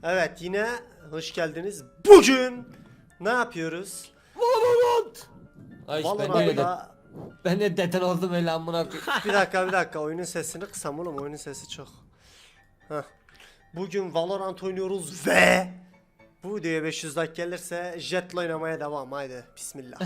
Evet, yine hoş geldiniz. Bugün ne yapıyoruz? Valorant. Ay Valorant'ta ben de deten oldum öyle amına koyayım. bir dakika oyunun sesini kısam oğlum, oyunun sesi çok. Heh. Bugün Valorant oynuyoruz ve bu videoya 500 like gelirse Jet'le oynamaya devam. Haydi bismillah.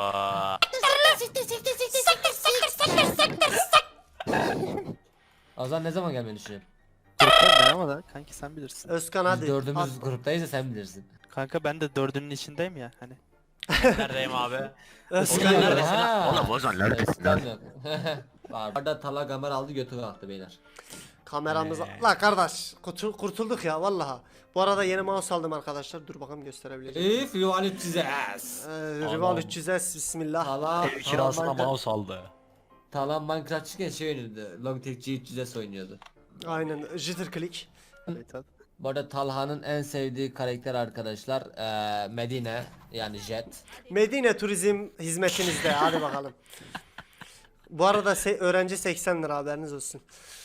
Azar ne zaman gelmeyi düşünüyorsun? Gruptayım ben ama da kanki sen bilirsin. Özkan Biz hadi. dördümüz at. gruptayız da sen bilirsin. Kanka ben de dördünün içindeyim ya hani. Neredeyim abi? Özkan Ozan hadi. neredesin? Ha. Oğlum Ozan neredesin lan? Yok. Var. Arada Tala Gamer aldı götü kalktı beyler. Kameramıza. La kardeş kurtulduk ya vallahi. Bu arada yeni mouse aldım arkadaşlar. Dur bakalım gösterebileceğim. If you want to Jesus. Rival 300S bismillah. Tala Ev kirasına mouse aldı. Tala Minecraft çıkken şey oynuyordu. Logitech G300S oynuyordu. Aynen jitter click. Evet, hadi. Bu arada Talha'nın en sevdiği karakter arkadaşlar Medine yani Jet. Medine Turizm hizmetinizde. Hadi bakalım. Bu arada öğrenci 80 lira haberiniz olsun.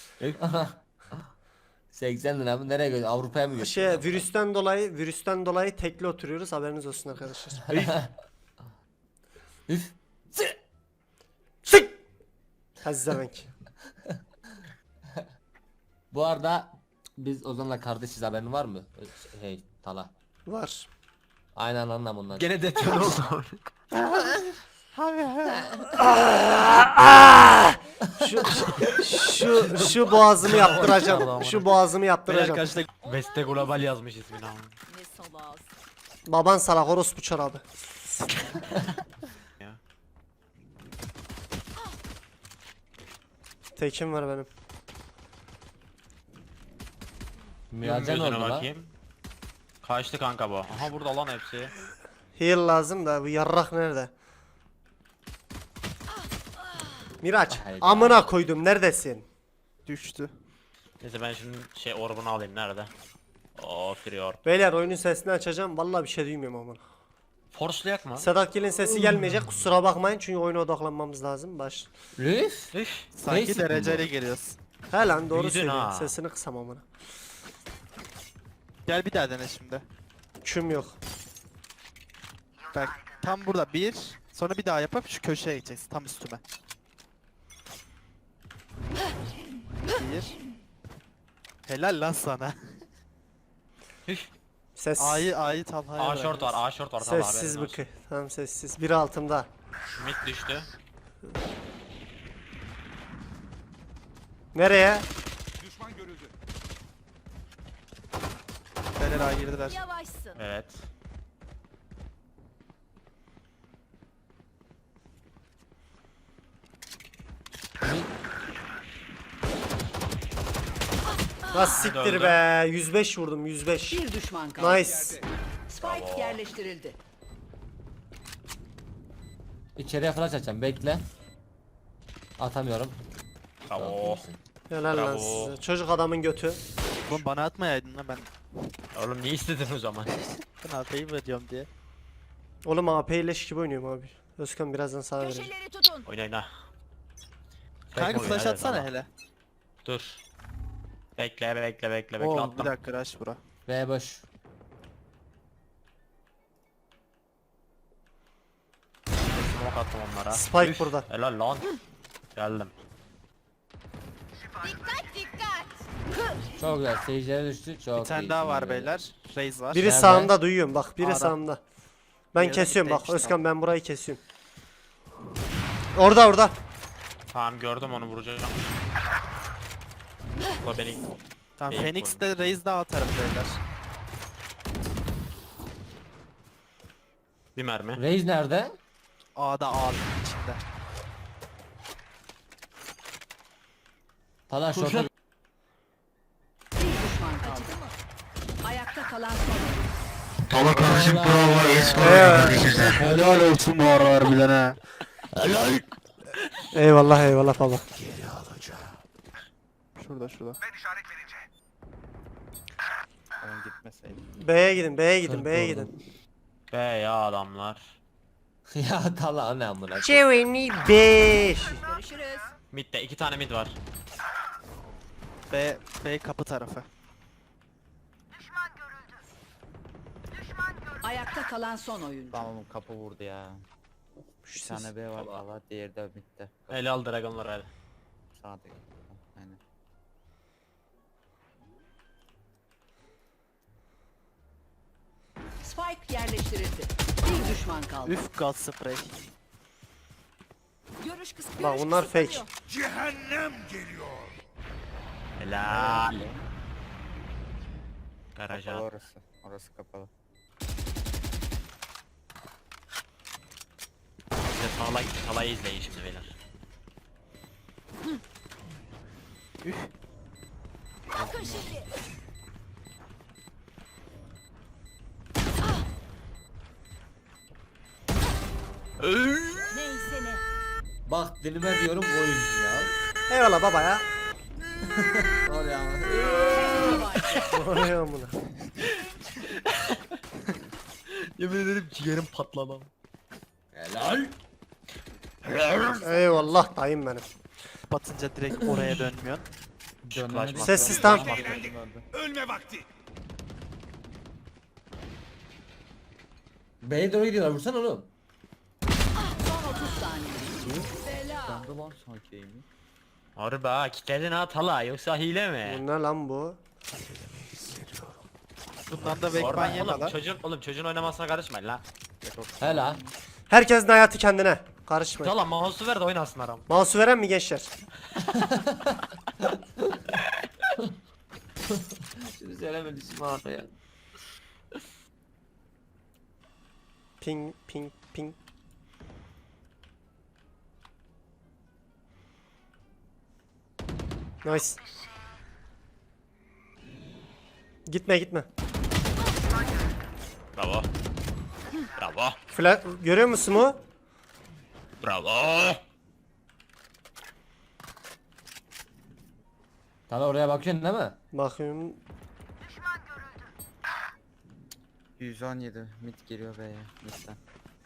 80 lira mı? Nereye gidiyor? Avrupa'ya mı gidiyor? Virüsten dolayı tekli oturuyoruz haberiniz olsun arkadaşlar. Üf. Sık. Hazzevenk. Bu arada biz Ozan'la kardeşiz, haberin var mı? Hey Tala. Var. Aynen anlam onlar. Gene deton oldu. Şu boğazımı yaptıracağım. Şu boğazımı Beyler yaptıracağım. kaçta Veste Global yazmış ismini ama. Ne salaz. Baban salak orospu çorabı. Ya. Tekim var benim. Miracan oldu Gözüne la. bakayım. Kaçtı kanka bu. Aha burada lan hepsi. Heal lazım da bu yarrak nerede? Miraç Hayda. amına koydum neredesin? Düştü. Neyse ben şimdi orbunu alayım nerede? Oo free orb. Beyler oyunun sesini açacağım vallahi bir şey duymuyorum amına. Force'layak mı? Sedat Gil'in sesi gelmeyecek kusura bakmayın çünkü oyuna odaklanmamız lazım baş. Üf. Üf. Sanki Neyse dereceyle bu. geliyoruz. He lan doğru Büyüdün söylüyorsun ha. sesini kısam amına. Gel bir daha dene şimdi. Küm yok. Bak tam burada bir. Sonra bir daha yapıp şu köşeye gideceksin tam üstüme. Bir. Helal lan sana. Üf. Ses A'yı Talha'ya A short var, A short var. Tamam, sessiz haberin olsun. bıkı. Tamam sessiz. Biri altımda. Mid düştü. Nereye? Beyler A'ya girdiler. Yavaşsın. Evet. Nasıl siktir öldü. be? 105 vurdum 105. Bir düşman kaldı. Nice. Spike yerleştirildi. İçeriye flash açacağım, bekle. Atamıyorum. Bravo. Helal lan Bravo. size. Çocuk adamın götü. Oğlum bana atmayaydın lan ben. Oğlum ne istedin o zaman? Ben AP'yi veriyorum diye. Oğlum AP leş gibi oynuyorum abi. Özkan birazdan sana vereyim. Köşeleri tutun. Oyna oyna. Kanka oyun, flash hadi atsana tamam. hele. Dur. Bekle Oo bir attım. dakika rush bura. B boş. Smoke attım onlara. Spike Üf, burada. Helal lan. Geldim. Dikkat dikkat. Çok güzel. Seyircilere düştü. Çok Bir tane iyi. daha var beyler. Raze var. Biri Nerede? sağımda duyuyorum bak. Biri A'da. sağımda. Ben Diğeri de kesiyorum bak middeymiş, Özkan ben burayı kesiyorum. Orada. Tamam gördüm onu vuracağım. Bu beni Tamam Fake Phoenix de Raze daha atarım beyler. bir mermi. Raze nerede? A'da A'nın içinde. Tala şorta. Bir düşman kaldı. Ayakta kalan son. Tala kardeşim Helal olsun bu ara harbiden ha. Eyvallah baba. Şurada. Ben gitmeseydim. B'ye gidin. Be ya adamlar. Ya Tala ne amına. Jeremy 5. Görüşürüz. Mid'de 2 tane mid var. B kapı tarafı. Ayakta kalan son oyuncu. Tamam kapı vurdu ya. Bir tane B var Allah. valla, diğeri de bitti. Ele al dragonları hadi. Sağda. Aynen. Spike yerleştirildi. Bir düşman kaldı. Üf gaz sprey. Görüş kıs Bak bunlar fake. Helal. Kapalı Garaja. orası. Orası kapalı. Size salayı izleyin şimdi beyler. Üf. Bakın şimdi. Neyse ne. Bak dilime diyorum oyuncu ya. Eyvallah baba ya. Oraya ama. Oraya amına. Yemin ederim ciğerim patladı. Helal. Eyvallah dayım benim. Batınca direkt oraya dönmüyorsun. Dönmemek Sessiz zorunda. tam. B'ye doğru gidiyorlar, vursana oğlum. Son 30 saniye. Bela. Döndü lan sanki mi? Harbi ha kitledin ha Tala yoksa hile mi? Bu ne lan bu? Bundan da Orada backban oğlum yeme lan. çocuğun oynamasına karışmayın la. Helal. Herkesin hayatı kendine. Karışmayın. Tala mouse'u ver de oynasın aram. Mouse'u veren mi gençler? Şimdi söylemedi şimdi bana ya. Ping ping ping. Nice. Gitme gitme. Bravo. Bravo. Flash görüyor musun mu? Bravo. Tabii oraya bakıyorsun değil mi? Bakıyorum. 117 mid geliyor B'ye midden.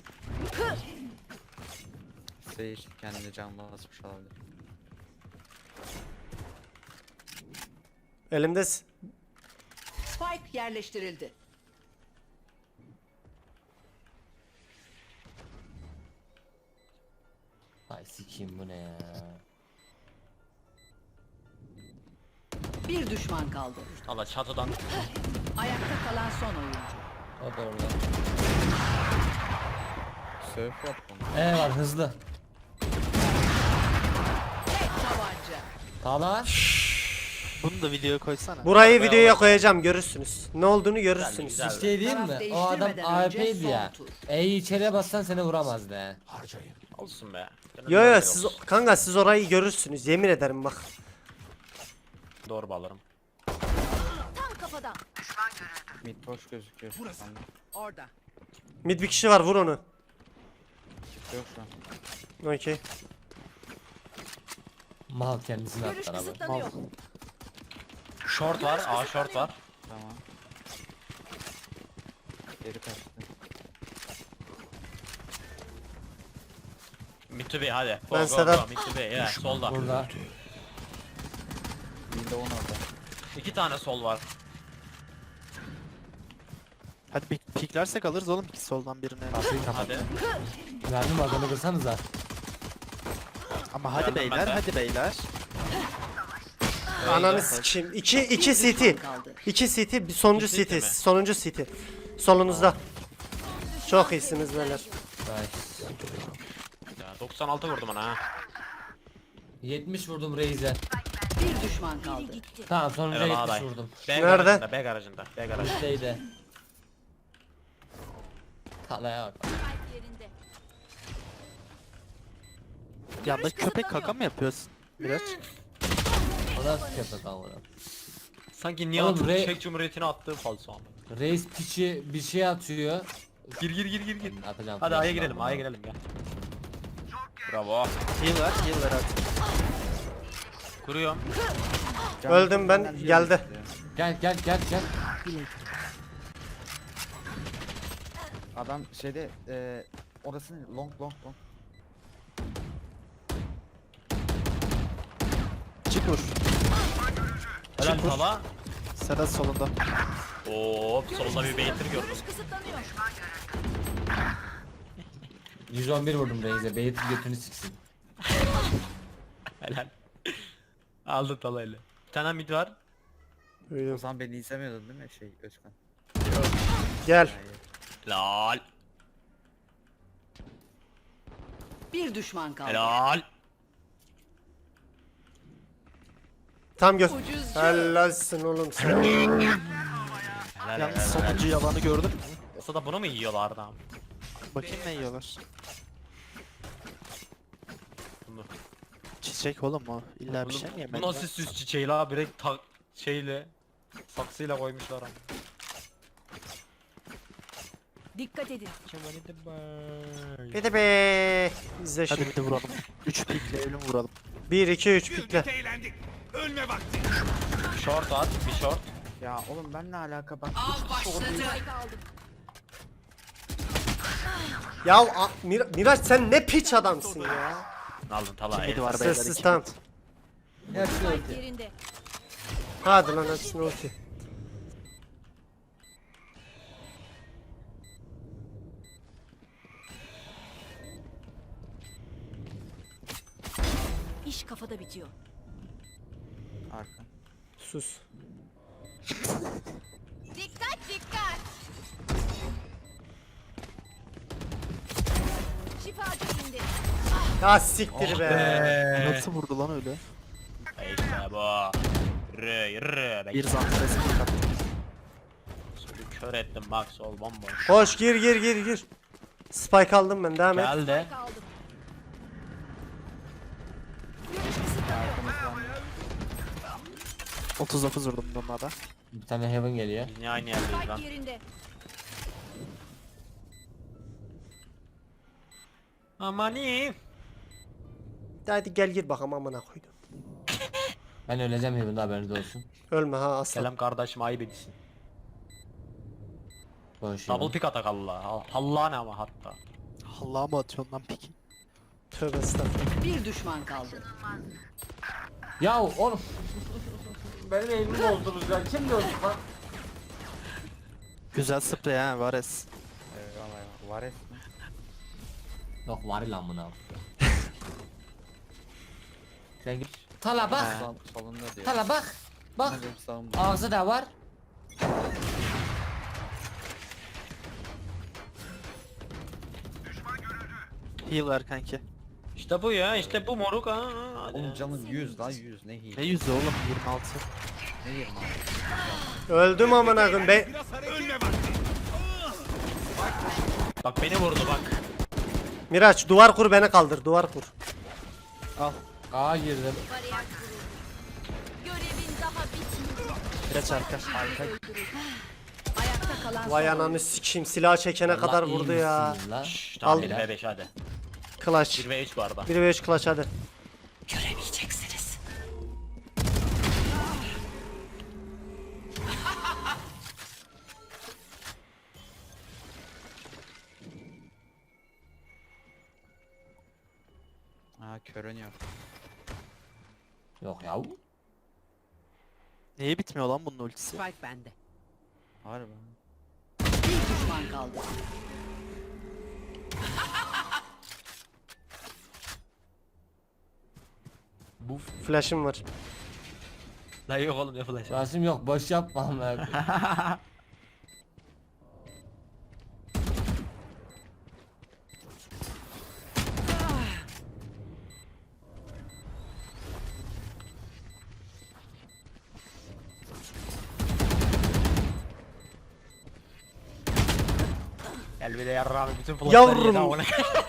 Seyir kendini canlı basmış olabilir. Elimde Spike yerleştirildi. Ay sikiyim bu ne ya. Bir düşman kaldı. Tala çatıdan. Ayakta kalan son oyuncu. O da orada. Surf yap bunu. Var hızlı. Tek tabanca. Tala. Bunu da videoya koysana. burayı videoya koyacağım görürsünüz. Ne olduğunu görürsünüz. Güzel. Bir şey diyeyim Taraf mi? O adam değiştirmeden önce AWP'ydi son ya. tur. E'yi içeriye bassan seni vuramazdı he. Olsun be. Yo yo siz kanka siz orayı görürsünüz yemin ederim bak. Doğru bağlarım. Tam kafadan. Mid boş gözüküyor. Burası. Orada. Mid bir kişi var vur onu. Yok şu an. Okey. Mal kendisini Görüş atlar abi. kısıtlanıyor. Short var. A short var. Tamam. Geri kaçtı. Mid to B hadi. Go, Ben go, Sedat- go. Mid to B ya solda. Burada. Mid'de 10 orada. 2 tane sol var. Hadi piklersek alırız oğlum iki soldan birini. Hadi. Verdim adamı kırsanıza. Ama hadi Geldim ben beyler de. hadi beyler. Ananı sikeyim. 2 Bir CT. düşman kaldı. 2 CT bir sonuncu İki CT CT. mi? Sonuncu CT. Solunuzda. Çok iyisiniz beyler. Nice. Ya 96 vurdum ona ha. 70 vurdum Reis'e. Bir düşman kaldı. Tamam sonuncuya Evet 70 aday. vurdum. B Nerede? garajında, B garajında, B garajında. Şeyde. Talaya bak. Yanda köpek kaka mı yapıyorsun? Biraz. O da köpek amına. Sanki Oğlum, Nihat'ın Re- Çek Cumhuriyeti'ne attığı falso ama. Reis piçi bir şey atıyor. Gir. Atacağım. Hadi A'ya flash'ı girelim, ben A'ya buna. girelim gel. Bravo. Heal ver hadi. Kuruyorum. Öldüm ben, Canlı geldi. Gel. Adam şeyde orası ne? Long. Çık vur. Helal Çık vur. Tala. Sedat solunda. Oo Hop solda bir Beytir gördüm. Görüş kısıtlanıyor. 111 vurdum Reis'e. Beyit'in götünü siksin. Helal. Aldı talayla. Bir tane mid var. O Duydum. zaman beni izlemiyordun değil mi Özkan? Gel. Hayır. Helal. Bir düşman kaldı. Helal. Tam gör. Ucuzcu. Helalsin oğlum sen. Helal. Yalnız helal. sonuncu yalanı gördün mü? Yoksa da bunu mu yiyorlardı abi? Bakayım ne yiyorlar. Bunu. Çiçek oğlum o. İlla bir şey mi Bu yemedi? nasıl süs çiçeği la? Direkt şeyle saksıyla koymuşlar ama. Dikkat edin. Bir de be. İzle Hadi şimdi. bir de vuralım. 3 pikle ölüm vuralım. 1 2 3 pikle. Short at, bir short. Ya oğlum ben ne alaka ben Av başladı. Aldım. Ya Miraç sen ne piç adamsın ya. Aldın tala. Midi var beyler. Sessiz iki tamam. mid. Hepsi Spike ulti. yerinde. Hadi lan hepsini ulti. İş kafada bitiyor. Arka. Sus. Dikkat dikkat. Şifacı indi. Ya siktir be. Nasıl vurdu lan öyle? İşte bu. Yürü yürü. Bir zantresi attı. Kör ettim bak sol bomboş. Koş gir. Spike aldım ben devam et. Geldi. Kaldım. Görüş kısıtlanıyor. 39 vurdum bunlara da. Bir tane Heaven geliyor. Biz niye aynı yerdeyiz lan? Spike yerinde. Amani. Hadi gel gir bakalım amına koydum. Ben öleceğim Heaven'da haberiniz olsun. Ölme ha aslan. Selam kardeşim ayıp etsin. Boş Double Heaven. pick atak Allah. Allah ne ama hatta. Allah'a mı atıyorsun lan piki? Tövbe estağfurullah. Bir düşman kaldı. Ya oğlum. Benim eğimimi bozdunuz ya. Kim gördü lan? Güzel sprey ha Vares. Eyvallah. Vares mi? Yok var lan buna. Sen git. Tala bak. Solunda diyor. Tala bak. Bak. Benim sağımda. Ağzı da var. Heal ver kanki. İşte bu ya işte bu moruk ha. Hadi. Oğlum canım 100 lan 100 ne hile Ne yüzü oğlum 26. ne 20 abi. Öldüm amına koyayım be. Bak beni vurdu bak. Miraç duvar kur beni kaldır duvar kur. Al. Aa girdim. Bariyer kuruldu. Görevin daha bitmedi. Biraz arka. Ayakta kalan Vay son ananı oyuncu. sikeyim silah çekene Allah kadar iyi vurdu ya. misin lan? Şşş tamam Al. 1 ve 5 hadi. Clutch. 1 ve 3 bu arada. 1 ve 3 clutch hadi. Göremeyeceksiniz. Ha körün yok. Yok ya. Niye bitmiyor lan bunun ultisi? Spike bende. Harbi. Bir düşman kaldı. Bu flash'ım var. La yok oğlum ne flash. Rasim yok. Boş yapma amına koyayım. Gel bir de yarrağımı bütün flashları Yavrum. yedi amına.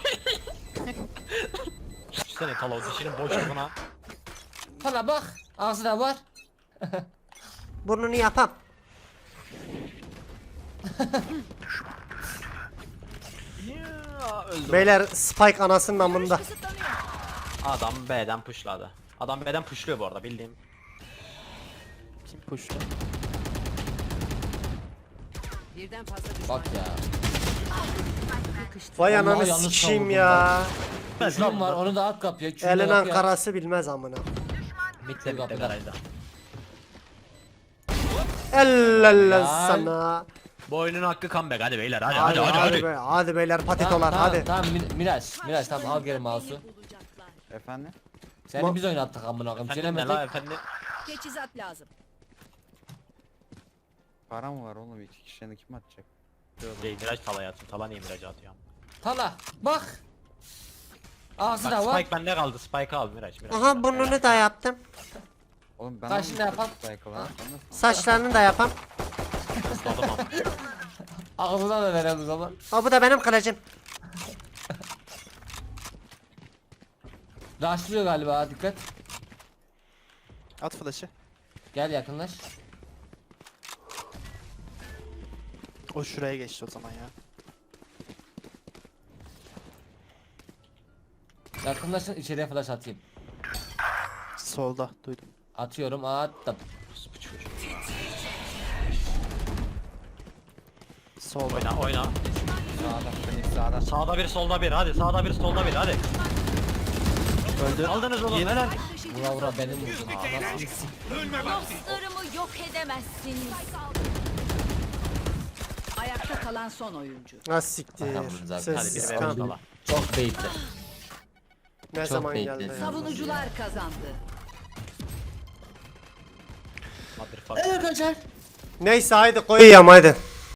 Düşünsene Tala o dişinin boşluğuna. Tala bak. Ağzı da var. Burnunu yapam. Ya, öldü. Beyler Spike anasının amında. Kısıtlanıyor. Adam B'den pushladı. Adam B'den pushluyor bu arada bildiğim. Kim pushtu? Birden fazla düşman. Bak ya. Vay Vallahi ananı yanlış sikeyim savurdum ya. Kürüm var onu da at kapıya. Kürüm Elin de kapıya. Ankara'sı bilmez amına. Bitti bitti kapıda. garajda. Ellella Helal. sana. Bu oyunun hakkı comeback hadi beyler hadi Hadi hadi hadi. hadi beyler patitolar hadi. Tamam Miraç tamam al geri mouse'u. Bulacaklar. Efendim? Seni biz oynattık amına koyayım. Efendim ne la Çelemedik. efendim? Teçhizat lazım. Para mı var oğlum? 2 kişinin kim atacak? Değil Miraç talaya atıyor. Tala niye Miraç'a atıyor? Tala bak. Ağzına Bak bak. Spike bende kaldı. Spike al Miraç. Miraç. Aha burnunu da yaptım. Oğlum ben Kaşını da yapam. Saçlarını da yapam. Isladım ama. Ağzına da verelim o zaman. O bu da benim kılıcım. Rushlıyor galiba dikkat. At flash'ı. Gel yakınlaş. O şuraya geçti o zaman ya. Yakınlaşın içeriye flash atayım. Solda duydum. Atıyorum attım. Solda. Oyna oyna. Sağda, Phoenix sağda. Sağda bir solda bir hadi. Sağda bir solda bir hadi. Öldü. Aldınız oğlum helal. Vura vura benim vurdun. Anasını s- Dostlarımı yok edemezsiniz. Ayakta kalan son oyuncu. Ha siktir. Tamam, zaten. Hadi Sessiz biri kan. vermiş tala. Çok beyitli. Ne çok zaman bekledim. geldi? ya? Savunucular kazandı. Motherfucker. Arkadaşlar. Neyse haydi koyayım haydi.